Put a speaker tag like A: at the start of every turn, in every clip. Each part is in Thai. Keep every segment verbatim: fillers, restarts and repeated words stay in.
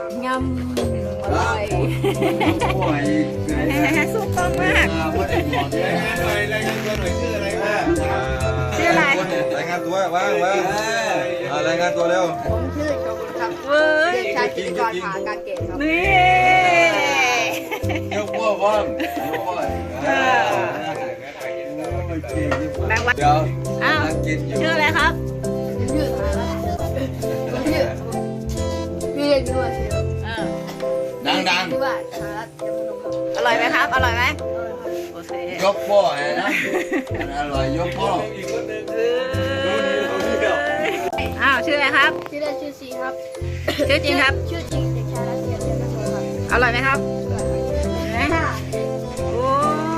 A: งำอร่อย
B: ป่วย
A: สุกต้องมาก
B: ไม่ได้บอกเลยหน่อยรายงานตัวหน่อยชื่ออะไรครับ
A: ชื่ออะไร
B: รายงานตัวว่างว่างรายงานตัวเร็ว
C: ผมชื่อโชกุนครับ
A: เว้ย
C: เด็กชายกิติกรผาการเกตครับ
A: นี่
B: ยกพ่อพ่อมยกพ่อแบงค์วันเดี๋ยว
A: อ้าว
B: กินอยู่
A: ชื่ออะไรครับ
C: ชื่ออะไรครับชื่อชื่อเรียนด้วย
A: เออ
B: ดังดัง
C: ชื่อว่าชาลัตยมนุครับ
A: อร่อยไหมครับ อร่อยไหมโอเค
B: ยกพ่อนะอร่อยยกพ่อ
A: อ้าวชื่ออะไรครับ
C: ชื่อเล่นชื่อซีครับ
A: ชื่อจริงครับ
C: ชื่อจริงเด็กชายรัตเทียนเทียนนัทครับ
A: อร่อยไหมครับเห็นไหม
C: ค่ะ
A: โอ้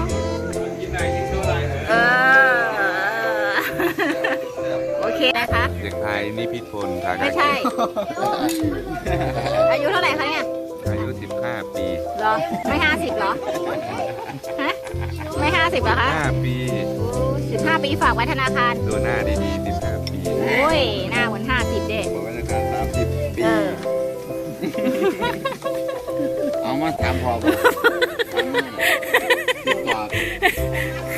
A: เออโอเคนะคะ
D: เด็กชายนิพิษพลทากา
A: ไม่ใช่ อายุเท่าไหร่คะเนี่ย
D: อายุสิบห้าปี
A: เหรอ ไม่ห้าสิบเหรอ ฮะ ไม่ห้าสิบเหรอคะ
D: ห้าปี
A: สิบห้าปีฝากไว้ธนาคาร
D: ดูหน้าดีๆสิบห้าปี
A: โอ้ย หน้าเหมือนห้าสิบเด้
B: บอกว่าจะการสามสิบปี
A: เออ
B: เอามาถามพ่อบอกถามแม่บอก